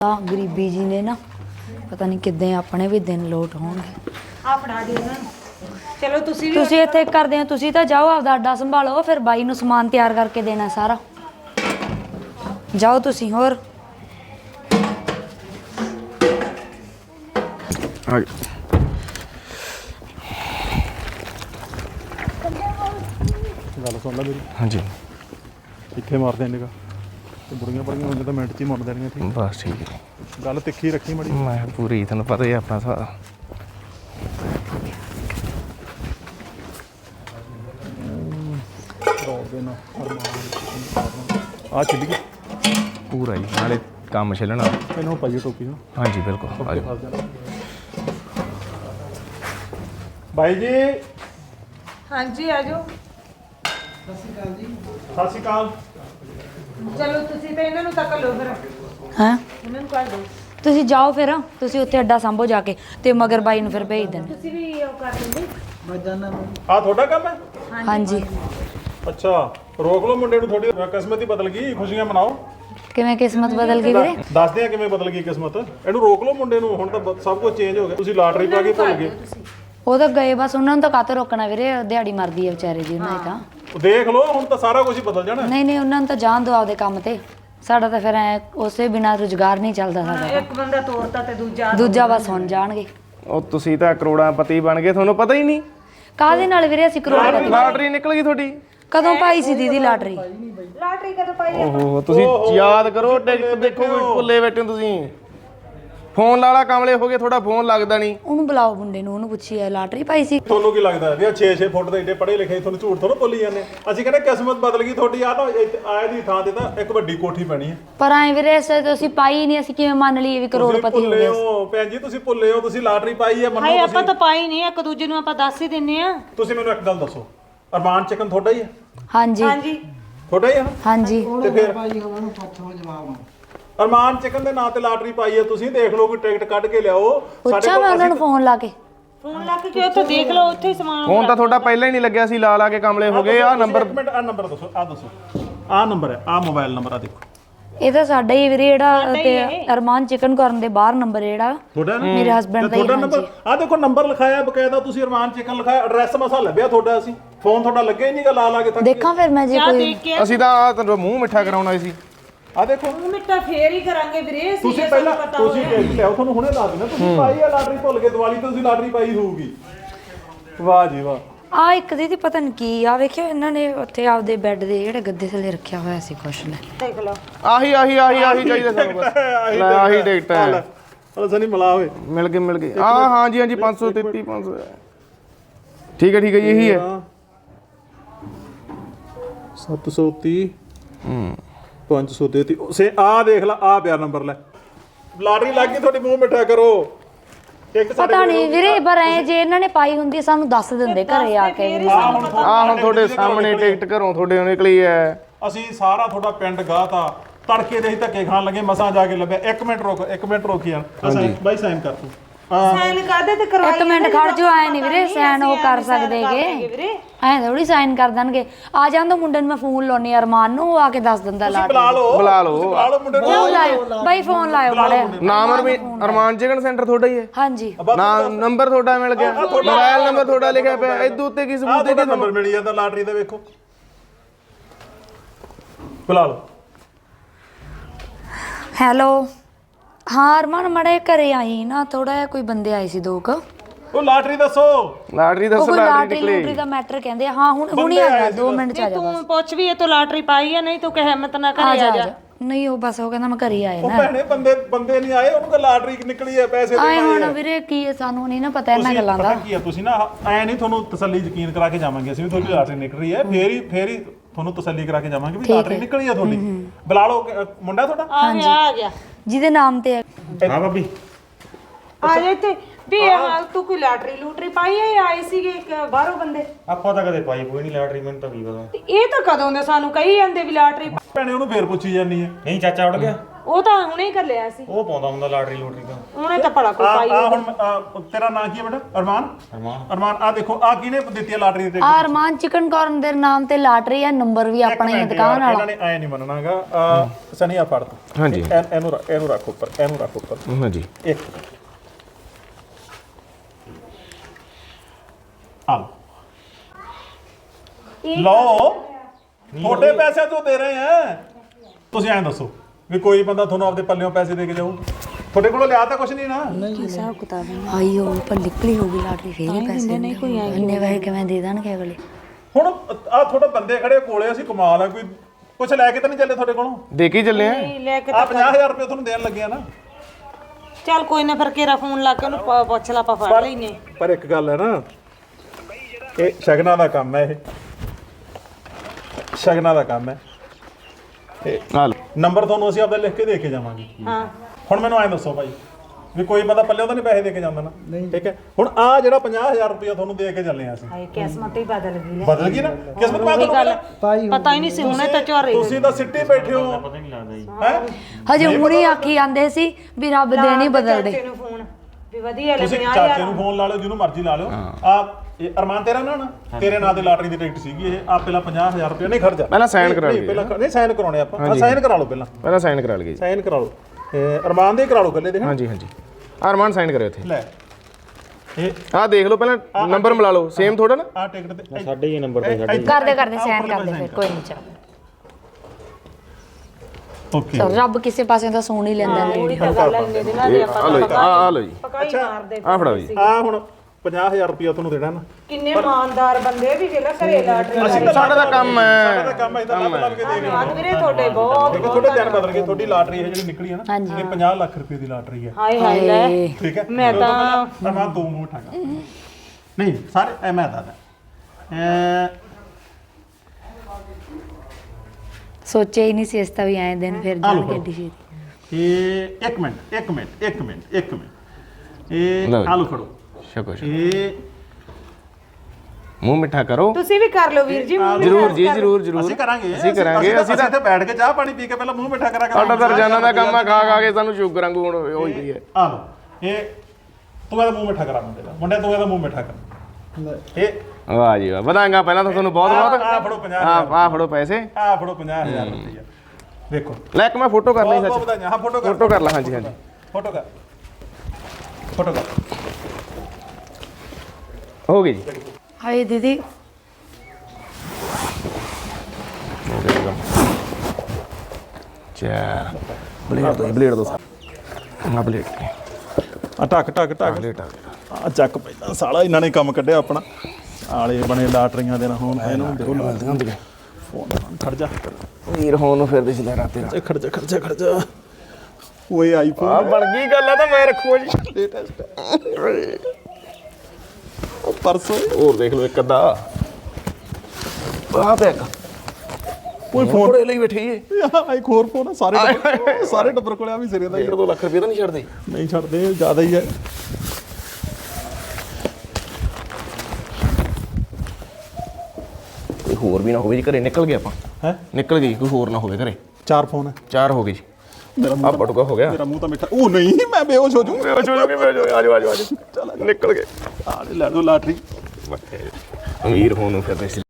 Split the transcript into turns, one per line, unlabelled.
गरीबी जी ने ना पता नहीं किद्दां अपने भी दिन लोट होणगे।
आ फड़ा दे ना। चलो तुसी
इत्थे करदे हो, तुसी तां जाओ आपदा अड्डा संभालो, फिर बाई नूं समान तैयार करके देना सारा। जाओ तुसी। होर
गल सुन ला मेरी।
हाँ जी
इत्थे मारदे निगा ते बुढ़ियां पड़ियां होंदियां तां मिंट च ही मुड़ देनियां। ठीक
बस ठीक है।
गल तिखी रखी मड़ी।
मैं पूरी तेन पता ही अपना सारा
आ चली गई
पूरा ही नाले काम छलना।
इन्हों पाइए टोपी ना।
हाँ जी बिल्कुल आ जाओ।
भाई जी
हाँ जी आ जाओ।
सत श्री अकाल।
चलो तुसी तो इन्हां नूं तक लो फिर।
हैं
इन्हां नूं कर दो।
तुसी जाओ फिर, तुसी उत्थे अड्डा संभो जाके ते मगर बाई नूं फिर भेज देना।
तुसी भी ओ कर देंगे।
आ थोड़ा काम है।
हाँ जी।
अच्छा रोक लो मुंडे नूं, थोड़ी किस्मत ही बदल गई, खुशियां मनाओ।
किवें किस्मत बदल गई वीरे?
दसदे आ किवें बदल गई किस्मत। इहनूं रोक लो मुंडे नूं, हुण तां सब कुछ चेंज हो गया। तुसी लॉटरी पा के भुल गए।
ਉਹ ਤਾਂ ਗਏ ਬਸ, ਉਹਨਾਂ ਨੂੰ ਤਾਂ ਕਾਹਤੇ ਰੋਕਣਾ ਵੀਰੇ, ਦਿਹਾੜੀ ਮਰਦੀ ਹੈ ਵਿਚਾਰੇ ਦੀ ਉਹਨਾਂ ਦੀ ਤਾਂ।
ਦੇਖ ਲਓ ਹੁਣ ਤਾਂ ਸਾਰਾ ਕੁਝ ਹੀ ਬਦਲ ਜਾਣਾ।
ਨਹੀਂ ਨਹੀਂ, ਉਹਨਾਂ ਨੂੰ ਤਾਂ ਜਾਣ ਦਿਓ ਆਪਦੇ ਕੰਮ ਤੇ। ਸਾਡਾ ਤਾਂ ਫਿਰ ਐ ਉਸੇ ਬਿਨਾਂ ਰੁਜ਼ਗਾਰ ਨਹੀਂ ਚੱਲਦਾ ਸਾਡਾ।
एक बंदा तोड़ता ते
ਦੂਜਾ ਬਸ ਹੁਣ ਜਾਣਗੇ।
ਉਹ ਤੁਸੀਂ ਤਾਂ ਕਰੋੜਾਂਪਤੀ ਬਣ ਗਏ, ਤੁਹਾਨੂੰ ਪਤਾ ਹੀ ਨਹੀਂ।
ਕਾਹਦੇ ਨਾਲ ਵੀਰੇ ਅਸੀਂ ਕਰੋੜਪਤੀ?
ਲਾਟਰੀ ਨਿਕਲ ਗਈ ਤੁਹਾਡੀ।
ਕਦੋਂ ਪਾਈ ਸੀ ਦੀਦੀ ਲਾਟਰੀ?
लाटरी कदों पाई?
ਓਹੋ ਤੁਸੀਂ ਯਾਦ ਕਰੋ, ਟਿਕਟ ਦੇਖੋ ਭੁੱਲੇ ਬੈਠੇ ਤੁਸੀਂ। ਫੋਨ ਲਾਲਾ ਕਮਲੇ ਹੋ ਗਏ, ਤੁਹਾਡਾ ਫੋਨ ਲੱਗਦਾ ਨਹੀਂ।
ਉਹਨੂੰ ਬੁਲਾਓ ਮੁੰਡੇ ਨੂੰ, ਉਹਨੂੰ ਪੁੱਛੀ ਲਾਟਰੀ ਪਾਈ ਸੀ।
ਤੁਹਾਨੂੰ ਕੀ ਲੱਗਦਾ ਵੀ ਆ 6-6 ਫੁੱਟ ਦੇ ਏਡੇ ਪੜ੍ਹੇ ਲਿਖੇ ਤੁਹਾਨੂੰ ਝੂਠ ਥੋੜਾ ਬੋਲੀ ਜਾਂਦੇ। ਅਸੀਂ ਕਹਿੰਦੇ ਕਿਸਮਤ ਬਦਲ ਗਈ ਤੁਹਾਡੀ। ਆ ਤਾਂ ਆਏ ਦੀ ਥਾਂ ਤੇ ਤਾਂ ਇੱਕ ਵੱਡੀ ਕੋਠੀ ਪੈਣੀ ਹੈ।
ਪਰ ਐ ਵੀਰੇ ਅਸੀਂ ਪਾਈ ਨਹੀਂ, ਅਸੀਂ ਕਿਵੇਂ ਮੰਨ ਲਈਏ ਵੀ ਕਰੋੜਪਤੀ ਹੋ
ਭੁੱਲੇ
ਗਏ?
ਹੋ ਭੈਣ ਜੀ, ਤੁਸੀਂ ਭੁੱਲੇ ਹੋ। ਤੁਸੀਂ ਲਾਟਰੀ ਪਾਈ ਹੈ, ਮੰਨੋ
हाय
ਤੁਸੀਂ।
ਆਪਾਂ ਤਾਂ ਪਾਈ ਨਹੀਂ, ਇੱਕ ਦੂਜੇ ਨੂੰ ਆਪਾਂ ਦੱਸ ਹੀ ਦਿੰਨੇ ਆ।
ਤੁਸੀਂ ਮੈਨੂੰ ਇੱਕ ਗੱਲ ਦੱਸੋ, ਅਰਮਾਨ ਚਿਕਨ ਤੁਹਾਡਾ ਹੀ ਹੈ?
ਹਾਂਜੀ
ਹਾਂਜੀ
ਤੁਹਾਡਾ ਹੀ ਹੈ ਨਾ?
ਹਾਂਜੀ।
ਤੇ ਫਿਰ ਅਰਮਾਨ ਚਿਕਨ ਦੇ ਨਾਂ ਤੇ ਲਾਟਰੀ ਪਾਈ ਹੈ ਤੁਸੀਂ। ਦੇਖ ਲਓ ਕੋਈ ਟਿਕਟ ਕੱਢ ਕੇ ਲਿਆਓ
ਪੁੱਛਾਂ ਮੈਂ ਉਹਨਾਂ ਨੂੰ ਫੋਨ ਲਾ ਕੇ?
ਫੋਨ ਲਾ ਕੇ ਕਿਉਂ? ਉੱਥੇ ਦੇਖ ਲਓ, ਉੱਥੇ ਹੀ ਸਮਾਨ।
ਫੋਨ ਤਾਂ ਤੁਹਾਡਾ ਪਹਿਲਾਂ ਹੀ ਨਹੀਂ ਲੱਗਿਆ ਸੀ, ਲਾ ਕੇ ਕਮਲੇ ਹੋ ਗਏ। ਆ ਨੰਬਰ,
ਇੱਕ ਮਿੰਟ, ਆ ਨੰਬਰ ਦੱਸੋ। ਆ ਦੱਸੋ, ਆ ਨੰਬਰ ਹੈ, ਆ ਮੋਬਾਈਲ ਨੰਬਰ ਆ ਦੇਖੋ।
ਇਹ ਤਾਂ ਸਾਡਾ ਹੀ ਵੀਰੇ, ਜਿਹੜਾ ਤੇ ਅਰਮਾਨ ਚਿਕਨ ਕਾਰਨ ਦੇ ਬਾਹਰ ਨੰਬਰ ਜਿਹੜਾ
ਤੁਹਾਡਾ ਨਾ?
ਮੇਰੇ ਹਸਬੰਡ ਦਾ ਹੀ।
ਤੁਹਾਡਾ ਨੰਬਰ ਆ ਦੇਖੋ, ਨੰਬਰ ਲਿਖਾਇਆ ਬਕਾਇਦਾ। ਤੁਸੀਂ ਅਰਮਾਨ ਚਿਕਨ ਲਿਖਾਇਆ, ਐਡਰੈਸ ਮਸਾ ਲੱਭਿਆ ਤੁਹਾਡਾ। ਅਸੀਂ ਫੋਨ ਤੁਹਾਡਾ ਲੱਗਿਆ ਹੀ ਨਹੀਂਗਾ, ਲਾ ਕੇ ਥੱਕ ਗਏ।
ਦੇਖਾਂ ਫਿਰ ਮੈਂ ਜੇ
ਜਾ
ਕੋਈ।
ਦੇਖ ਕੇ
ਅਸੀਂ ਤਾਂ ਆਹ ਮੂੰਹ ਮਿੱਠਾ ਕਰਾਉਣਾ ਸੀ।
ਆ ਦੇਖੋ,
ਮਿੱਟਾ ਫੇਰ ਹੀ ਕਰਾਂਗੇ ਵੀਰੇ। ਅਸੀਂ
ਤੁਸੀਂ ਪਹਿਲਾਂ ਤੁਸੀਂ ਟਿਕਟ ਲਿਆਓ, ਤੁਹਾਨੂੰ ਹੁਣੇ ਲਾ ਦੇਣਾ। ਤੁਸੀਂ ਪਾਈ ਆ ਲਾਟਰੀ, ਭੁੱਲ ਗਏ ਦੀਵਾਲੀ ਤੇ ਤੁਸੀਂ ਲਾਟਰੀ ਪਾਈ ਹੋਊਗੀ। ਵਾਹ ਜੀ ਵਾਹ।
ਆ ਇੱਕ ਦੀਦੀ ਪਤਾ ਨਹੀਂ ਕੀ ਆ, ਵੇਖਿਓ ਇਹਨਾਂ ਨੇ ਉੱਥੇ ਆਪਦੇ ਬੈੱਡ ਦੇ ਜਿਹੜੇ ਗੱਦੇ ਥੱਲੇ ਰੱਖਿਆ ਹੋਇਆ ਸੀ ਕੁਛ ਨੇ।
ਦੇਖ ਲਓ।
ਆਹੀ ਚਾਹੀਦਾ ਸਾਨੂੰ ਬਸ। ਲੈ ਆਹੀ ਟਿਕਟ ਹੈ।
ਹਲ ਸਨੀ ਮਿਲਾ ਹੋਏ।
ਮਿਲ ਗਏ। ਹਾਂਜੀ 533 500। ਠੀਕ ਹੈ ਜੀ, ਇਹੀ ਹੈ।
730 533 ਸੇ। ਆ ਦੇਖ ਲਾ, ਆ ਪਿਆ ਨੰਬਰ। ਲੈ ਲਾਟਰੀ ਲੱਗ ਗਈ ਤੁਹਾਡੀ, ਮੂੰਹ ਮਿੱਠਾ ਕਰੋ।
ਪਤਾ ਨਹੀਂ ਵੀਰੇ, ਪਰ ਐ ਜੇ ਇਹਨਾਂ ਨੇ ਪਾਈ ਹੁੰਦੀ ਸਾਨੂੰ ਦੱਸ ਦਿੰਦੇ ਘਰੇ ਆ ਕੇ।
ਹੁਣ ਤੁਹਾਡੇ ਸਾਹਮਣੇ ਟਿਕਟ ਘਰੋਂ ਤੁਹਾਡੇ ਨਿਕਲੀ ਹੈ।
ਅਸੀਂ ਸਾਰਾ ਤੁਹਾਡਾ ਪਿੰਡ ਗਾਤਾ, ਤੜਕੇ ਦੇ ਹੀ ਧੱਕੇ ਖਾਣ ਲੱਗੇ, ਮਸਾਂ ਜਾ ਕੇ ਲੱਭਿਆ। 1 ਮਿੰਟ ਰੋਕ ਯਾਰ। ਬਾਈ ਸਾਈਨ ਕਰ ਤੂੰ।
ਸਾਈਨ ਕਾਦੇ ਤੇ ਕਰਵਾਈ?
ਇੱਕ ਮਿੰਟ ਖੜ ਜਾਓ। ਐ ਨਹੀਂ ਵੀਰੇ ਸਾਈਨ ਉਹ ਕਰ ਸਕਦੇਗੇ, ਐ ਥੋੜੀ ਸਾਈਨ ਕਰ ਦੇਣਗੇ। ਆ ਜਾਂਦੋ ਮੁੰਡੇ ਨੂੰ ਮੈਂ ਫੋਨ ਲਾਉਣੀ ਅਰਮਾਨ ਨੂੰ, ਆ ਕੇ ਦੱਸ ਦਿੰਦਾ ਲਾਟਰੀ।
ਬੁਲਾ ਲਓ
ਮੁੰਡੇ ਨੂੰ।
ਫੋਨ ਲਾਇਓ ਬਾਈ, ਫੋਨ ਲਾਇਓ ਮਾੜੇ।
ਨਾਮ ਅਰਮਾਨ ਚਿਕਨ ਸੈਂਟਰ ਤੁਹਾਡਾ ਹੀ ਹੈ?
ਹਾਂਜੀ।
ਨੰਬਰ ਤੁਹਾਡਾ ਮਿਲ ਗਿਆ, ਮੋਬਾਈਲ ਨੰਬਰ ਤੁਹਾਡਾ ਲਿਖਿਆ ਪਿਆ। ਇਦੋਂ ਉੱਤੇ ਕੀ ਸਬੂਤ ਹੈ?
ਨੰਬਰ ਮਿਲ ਜਾਂਦਾ ਲਾਟਰੀ ਦਾ, ਵੇਖੋ। ਬੁਲਾ ਲਓ।
ਹੈਲੋ। ਹਾਂ ਅਰਮਾਨ, ਮੜੇ ਘਰੇ ਆਈ ਨਾ, ਥੋੜਾ ਜਿਹਾ ਕੋਈ ਬੰਦੇ ਆਏ ਸੀ 2 ਕੁ।
ਉਹ ਲਾਟਰੀ ਦੱਸੋ।
ਕੋਈ ਲਾਟਰੀ ਦਾ ਮੈਟਰ ਕਹਿੰਦੇ ਆ। ਹਾਂ ਹੁਣੀ ਆ ਜਾ, 2 ਮਿੰਟ ਚ ਆ ਜਾ।
ਤੂੰ ਪੁੱਛ ਵੀ ਇਹ ਤੋਂ ਲਾਟਰੀ ਪਾਈ ਹੈ? ਨਹੀਂ ਤੂੰ ਕਹਿ ਹਿੰਮਤ ਨਾ ਕਰੀ ਆ ਜਾ।
ਨਹੀਂ ਉਹ ਬਸ ਉਹ ਕਹਿੰਦਾ ਮੈਂ ਘਰੇ ਆਇਆ
ਉਹ
ਨਾ।
ਭੈਣੇ ਬੰਦੇ ਨਹੀਂ ਆਏ, ਉਹਨੂੰ ਤਾਂ ਲਾਟਰੀ ਨਿਕਲੀ ਹੈ, ਪੈਸੇ
ਆਏ ਹੁਣ ਵੀਰੇ ਕੀ ਹੈ, ਸਾਨੂੰ ਨਹੀਂ ਨਾ ਪਤਾ ਇਹਨਾਂ ਗੱਲਾਂ ਦਾ।
ਕੀ ਆ, ਤੁਸੀਂ ਨਾ ਐ ਨਹੀਂ, ਤੁਹਾਨੂੰ ਤਸੱਲੀ ਯਕੀਨ ਕਰਾ ਕੇ ਜਾਵਾਂਗੇ ਅਸੀਂ ਵੀ ਤੁਹਾਡੀ ਲਾਟਰੀ ਨਿਕਲ ਰਹੀ ਹੈ। ਫੇਰ ਹੀ ਤੁਹਾਨੂੰ ਤਸੱਲੀ ਕਰਾ ਕੇ ਜਾਵਾਂਗੇ ਵੀ ਲਾਟਰੀ ਨਿਕਲੀ ਹੈ ਤੁਹਾਡੀ। ਬੁਲਾ ਲਓ ਮੁੰਡਾ ਤੁਹਾਡਾ।
ਆ ਗਿਆ
ਜਿਹਦੇ ਨਾਮ ਤੇ ਹੈ।
ਹਾਂ ਭਾਬੀ
ਆ ਜਾ ਇੱਥੇ ਵੀ। ਤੂੰ ਕੋਈ ਲਾਟਰੀ ਲੂਟਰੀ ਪਾਈ ਹੈ? ਆਏ ਸੀਗੇ ਇੱਕ ਬਾਹਰੋਂ ਬੰਦੇ।
ਆਪਾਂ ਤਾਂ ਕਦੇ ਪਾਈ ਕੋਈ ਨਹੀਂ ਲਾਟਰੀ, ਮੈਨੂੰ ਤਾਂ ਕੀ ਪਤਾ।
ਇਹ ਤਾਂ ਕਦੋਂ ਦੇ ਸਾਨੂੰ ਕਹੀ ਜਾਂਦੇ ਵੀ ਲਾਟਰੀ।
ਭੈਣੇ ਉਹਨੂੰ ਫੇਰ ਪੁੱਛੀ ਜਾਂਦੀ ਹੈ।
ਨਹੀਂ ਚਾਚਾ ਉੱਡ ਗਿਆ।
ਉਹ ਤਾਂ ਹੁਣੇ ਹੀ ਕਰ ਲਿਆ ਸੀ,
ਉਹ ਪਾਉਂਦਾ ਹੁੰਦਾ ਲਾਟਰੀ ਲੂਟਰੀ ਤਾਂ।
ਉਹਨੇ ਤਾਂ ਭਲਾ ਕੋਈ ਪਾਈ
ਆ ਹੁਣ ਤੇਰਾ ਨਾਂ ਕੀ ਹੈ ਬੇਟਾ? ਅਰਮਾਨ। ਅਰਮਾਨ ਆ ਦੇਖੋ ਆ ਕਿਹਨੇ ਦਿੱਤੀ ਹੈ ਲਾਟਰੀ ਦੀ ਟਿਕਟ?
ਅਰਮਾਨ ਚਿਕਨ ਕਾਰਨ ਦੇ ਨਾਮ ਤੇ ਲਾਟਰੀ ਹੈ, ਨੰਬਰ ਵੀ ਆਪਣਾ ਹੀ ਹੈ ਦੁਕਾਨ ਵਾਲਾ।
ਇਹਨਾਂ ਨੇ ਐ ਨਹੀਂ ਮੰਨਣਾਗਾ। ਸਨੀ ਆ ਫੜ ਤੂੰ।
ਹਾਂਜੀ
ਇਹਨੂੰ ਰੱਖ ਉੱਪਰ, ਇਹਨੂੰ ਰੱਖ ਉੱਪਰ।
ਹਾਂਜੀ
ਇੱਕ ਆ ਲਓ ਤੁਹਾਡੇ ਪੈਸੇ ਤੋਂ ਦੇ ਰਹੇ ਆ। ਤੁਸੀਂ ਐਂ ਦੱਸੋ ਵੀ ਕੋਈ ਬੰਦਾ ਤੁਹਾਨੂੰ ਆਪਦੇ ਪੱਲਿਓਂ ਪੈਸੇ ਦੇ ਕੇ ਜਾਊ? ਤੁਹਾਡੇ ਕੋਲੋਂ ਲਿਆ ਤਾਂ ਕੁਛ ਨਹੀਂ ਨਾ।
ਹਿਸਾਬ ਕਿਤਾਬ ਆਈ ਹੋ ਪਰ ਨਿਕਲੀ ਹੋਗੀ ਲਾਟਰੀ, ਫੇਰ ਹੀ ਪੈਸੇ ਨਹੀਂ ਕੋਈ ਆਏ। ਇੰਨੇ ਪੈਸੇ ਕਿਵੇਂ ਦੇ ਦੇਣਗੇ ਅਗਲੇ?
ਹੁਣ ਆ ਤੁਹਾਡੇ ਬੰਦੇ ਖੜੇ ਕੋਲੇ, ਅਸੀਂ ਕਮਾਲ ਆ ਕੋਈ ਕੁਛ ਲੈ ਕੇ ਤਾਂ ਨਹੀਂ ਚੱਲੇ ਤੁਹਾਡੇ ਕੋਲੋਂ?
ਦੇ ਕੇ ਚੱਲੇ ਆ।
ਨਹੀਂ ਲੈ ਕੇ
ਆ 50000 ਰੁਪਏ ਤੁਹਾਨੂੰ ਦੇਣ ਲੱਗੇ ਆ ਨਾ।
ਚੱਲ ਕੋਈ ਨਾ, ਫਿਰ ਕੇਰਾ ਫੋਨ ਲਾ ਕੇ ਉਹਨੂੰ ਪੁੱਛ ਲਾ, ਆਪਾਂ ਫੜ ਲੈਨੇ।
ਪਰ ਇੱਕ ਗੱਲ ਹੈ ਨਾ, ਇਹ ਸ਼ਗਨਾਂ ਦਾ ਕੰਮ ਹੈ, ਇਹ ਸ਼ਗਨਾਂ ਦਾ ਕੰਮ ਹੈ।
ਆ ਲਓ
ਨੰਬਰ ਤੁਹਾਨੂੰ ਅਸੀਂ ਆਪਦਾ ਲਿਖ ਕੇ ਦੇ ਕੇ ਜਾਵਾਂਗੇ।
ਹਾਂ
ਹੁਣ ਮੈਨੂੰ ਐਂ ਦੱਸੋ ਭਾਈ ਵੀ ਕੋਈ ਬੰਦਾ ਪੱਲਿਓਂ ਤਾਂ ਨਹੀਂ ਪੈਸੇ ਦੇ ਕੇ ਜਾਂਦਾ ਨਾ? ਠੀਕ ਹੈ। ਹੁਣ ਆ ਜਿਹੜਾ 50000 ਰੁਪਏ ਤੁਹਾਨੂੰ ਦੇ ਕੇ ਚੱਲੇ ਆ ਅਸੀਂ,
ਹਾਏ ਕਿਸਮਤ ਹੀ ਬਦਲ ਗਈ ਲੈ।
ਬਦਲ ਗਈ ਨਾ ਕਿਸਮਤ? ਮੈਂ ਤੁਹਾਨੂੰ
ਪਤਾ ਹੀ ਨਹੀਂ ਸੀ, ਹੁਣੇ ਤਾਂ ਝੋਰੇ
ਤੁਸੀਂ ਤਾਂ ਸਿੱਟੇ ਬੈਠੇ ਹੋ
ਪਤਾ ਨਹੀਂ ਲੱਗਦਾ ਜੀ।
ਹੈ।
ਹਜੇ ਹੁਣੀ ਆਖੀ ਜਾਂਦੇ ਸੀ ਵੀ ਰੱਬ ਦੇ ਨਹੀਂ ਬਦਲਦੇ।
ਚਾਚੇ ਨੂੰ ਫੋਨ ਵੀ ਵਧੀਆ ਲੈ
ਤੁਸੀਂ
50000
ਚਾਚੇ ਨੂੰ ਫੋਨ ਲਾ ਲਿਓ, ਜਿਹਨੂੰ ਮਰਜ਼ੀ ਲਾ ਲਿਓ। ਆ ਇਹ ਅਰਮਾਨ ਤੇਰਾ ਨਾ ਤੇਰੇ ਨਾਂ ਤੇ ਲਾਟਰੀ ਦੀ ਟਿਕਟ ਸੀਗੀ ਇਹ। ਆ ਪਹਿਲਾਂ 50000 ਰੁਪਏ ਨਹੀਂ ਖਰਚਾ,
ਪਹਿਲਾਂ sign ਕਰਾ ਲਈਏ।
ਪਹਿਲਾਂ ਨਹੀਂ ਸਾਈਨ ਕਰਾਉਣੇ ਆਪਾਂ। ਸਾਈਨ ਕਰਾ ਲਓ ਪਹਿਲਾਂ,
ਪਹਿਲਾਂ ਸਾਈਨ ਕਰਾ ਲਈਏ ਜੀ।
ਸਾਈਨ ਕਰਾ ਲਓ। ਅਰਮਾਨ ਦੇ ਕਰਾ ਲਓ ਇਕੱਲੇ ਦੇ।
ਹਾਂਜੀ ਅਰਮਾਨ ਸਾਈਨ ਕਰਿਓ ਇੱਥੇ।
ਲੈ ਇਹ
ਆਹ ਦੇਖ ਲਓ ਪਹਿਲਾਂ ਨੰਬਰ ਮਿਲਾ ਲਓ, ਸੇਮ ਥੋੜਾ ਨਾ।
ਆ ਟਿਕਟ ਤੇ
ਸਾਡੇ ਹੀ ਨੰਬਰ ਤੇ ਸਾਡੇ
ਕਰਦੇ ਸਾਈਨ ਕਰਦੇ ਫਿਰ ਕੋਈ ਨਹੀਂ। ਚੱਲ
ਓਕੇ।
ਚਲ ਰੱਬ ਕਿਸੇ ਪਾਸੇ ਤਾਂ ਸੁਣ ਹੀ ਲੈਂਦਾ ਨੇ।
ਉਹੀ ਤਾਂ ਗੱਲ ਹੈ, ਇੰਨੇ ਦਿਨਾਂ ਦੀ ਆਪਾਂ
ਆ ਲਓ ਜੀ, ਆ ਲਓ ਜੀ,
ਪਕਾਈ ਮਾਰਦੇ।
ਆ ਫੜਾਓ ਜੀ।
ਆ ਹੁਣ 50000 ਰੁਪਏ ਤੁਹਾਨੂੰ ਦੇਣਾ ਨਾ।
ਕਿੰਨੇ ਇਮਾਨਦਾਰ ਬੰਦੇ ਵੀ ਜਿਹੜਾ ਘਰੇ ਲਾਟਰੀ
ਸਾਡਾ ਤਾਂ ਕੰਮ ਹੈ।
ਸਾਡਾ ਕੰਮ ਹੈ ਤਾਂ ਲੱਭ ਕੇ ਦੇ ਗਏ।
ਧੰਨਵਾਦ ਵੀਰੇ ਤੁਹਾਡੇ ਬਹੁਤ।
ਤੁਹਾਡੇ ਦਿਨ ਬਦਲ ਗਏ। ਤੁਹਾਡੀ ਲਾਟਰੀ ਇਹ ਜਿਹੜੀ ਨਿਕਲੀ ਹੈ ਨਾ,
ਹਾਂਜੀ।
ਇਹ 50 ਲੱਖ ਰੁਪਏ ਦੀ ਲਾਟਰੀ ਹੈ।
ਹਾਏ ਹਾਏ ਲੈ,
ਠੀਕ ਹੈ।
ਮੈਂ ਤਾਂ
ਅਰਮਾਨ ਦੋ ਮੂੰਹ ਠਾਗਾ ਨਹੀਂ ਸਾਰੇ ਐ ਮੈਂ ਦੱਸਦਾ।
ਸੋਚਿਆ ਹੀ ਨਹੀਂ ਸੀ ਇਸ ਤਾਂ ਵੀ ਆਏ ਦਿਨ ਫਿਰ ਜਾਣਗੇ ਏਡੀ ਛੇਤੀ।
ਇਹ ਇੱਕ ਮਿੰਟ ਇਹ
ਲਓ ਜੀ।
ਆਲੂ ਫੜੋ।
ਸ਼ਕੋ ਸ਼ਕੋ,
ਇਹ
ਮੂੰਹ ਮਿੱਠਾ ਕਰੋ।
ਤੁਸੀਂ ਵੀ ਕਰ ਲਓ ਵੀਰ ਜੀ, ਮੂੰਹ ਵੀ
ਜ਼ਰੂਰ ਜੀ, ਜ਼ਰੂਰ
ਅਸੀਂ ਕਰਾਂਗੇ।
ਅਸੀਂ ਤਾਂ
ਇੱਥੇ ਬੈਠ ਕੇ ਚਾਹ ਪਾਣੀ ਪੀ ਕੇ ਪਹਿਲਾਂ ਮੂੰਹ ਮਿੱਠਾ ਕਰਾਂਗੇ।
ਸਾਡਾ ਤਾਂ ਰੋਜ਼ਾਨਾ ਦਾ ਕੰਮ ਆ, ਖਾ ਕੇ ਸਾਨੂੰ ਸ਼ੂਗਰ ਵਾਂਗੂ ਹੁਣ ਹੋਈ ਪਈ ਹੈ।
ਆ ਲਓ ਇਹ ਤੂੰ ਇਹਦਾ ਮੂੰਹ ਮਿੱਠਾ ਕਰਾ ਮੁੰਡੇ ਤੂੰ ਇਹਦਾ ਮੂੰਹ ਮਿੱਠਾ ਕਰ। ਇਹ
ਵਾਹ ਜੀ ਵਾਹ, ਵਧਾਈਆਂ ਪਹਿਲਾਂ ਤਾਂ ਤੁਹਾਨੂੰ ਬਹੁਤ ਬਹੁਤ।
ਆ ਫੜੋ 50
ਆ ਫੜੋ ਪੈਸੇ,
ਆ ਫੜੋ 50000 ਰੁਪਏ। ਦੇਖੋ
ਲੈ ਇੱਕ ਮੈਂ ਫੋਟੋ ਕਰ ਲਈ
ਬਹੁਤ
ਸੱਚ।
ਵਧਾਈਆਂ। ਹਾਂ
ਫੋਟੋ ਕਰ ਲਾ। ਹਾਂਜੀ
ਫੋਟੋ ਕਰ
ਹੋ ਗਈ ਜੀ।
ਹਾਏ ਦੀਦੀ
ਚਾ ਬਲੇਡ ਦੋ ਆ ਬਲੇਡ
ਆ ਟਕ
ਬਲੇਡ
ਆ ਚੱਕ ਪਹਿਲਾਂ ਸਾਲਾ ਇਹਨਾਂ ਨੇ ਕੰਮ ਕੱਢਿਆ ਆਪਣਾ। ਆਲੇ ਬਣੇ ਲਾਟਰੀਆਂ ਦੇ ਨਾ ਹੋਣ ਇਹਨੂੰ ਦੇਖੋ
ਹੁੰਦੀਆਂ
ਫੋਨ ਖੜ ਜਾ
ਵੀਰ ਹੋਣ ਨੂੰ ਫਿਰਦੇ ਸੀ ਲੈ ਰਾਤੇ ਰਾਤ।
ਖੜ ਜਾ ਓਏ ਆਈਫੋਨ
ਆ ਬਣ ਗਈ ਗੱਲ ਆ ਤਾਂ ਮੈਂ ਰੱਖੂ ਜੀ।
ਲੇਟੈਸਟ ਪਰਸੋਂ
ਹੋਰ ਦੇਖ ਲਓ ਇੱਕ ਅੱਧਾ ਆ ਪੈਕ
ਕੋਈ ਫੋਨ
ਕੋੜੇ ਲਈ ਬੈਠੀ ਏ।
ਇੱਕ ਹੋਰ ਫੋਨ ਆ। ਸਾਰੇ ਟੱਬਰ ਕੋਲੇ ਆ ਵੀ ਸਿਰੇ ਦਾ ਹੀ
1.5 ਲੱਖ ਰੁਪਏ ਤਾਂ ਨਹੀਂ ਛੱਡਦੇ।
ਨਹੀਂ ਛੱਡਦੇ, ਜ਼ਿਆਦਾ ਹੀ ਹੈ।
ਕੋਈ ਹੋਰ ਵੀ ਨਾ ਹੋਵੇ ਜੀ ਘਰੇ। ਨਿਕਲ ਗਏ ਆਪਾਂ,
ਹੈ
ਨਿਕਲ ਗਈ, ਕੋਈ ਹੋਰ ਨਾ ਹੋਵੇ ਘਰੇ।
4 ਫੋਨ ਹੈ।
4 ਹੋ ਗਏ ਜੀ।
ਮੇਰਾ
ਆ ਬਟੂਆ ਹੋ ਗਿਆ।
ਮੇਰਾ ਮੂੰਹ ਤਾਂ ਮਿੱਠਾ। ਉਹ ਨਹੀਂ ਮੈਂ ਬੇਹੋਸ਼ ਹੋ ਜਾਊਂਗਾ।
ਆਜੋ ਨਿਕਲ ਗਏ।
ਆ ਲੈ ਲਓ ਲਾਟਰੀ।
ਵੀਰ ਹੋਣ ਨੂੰ ਫਿਰਦੇ ਸੀ।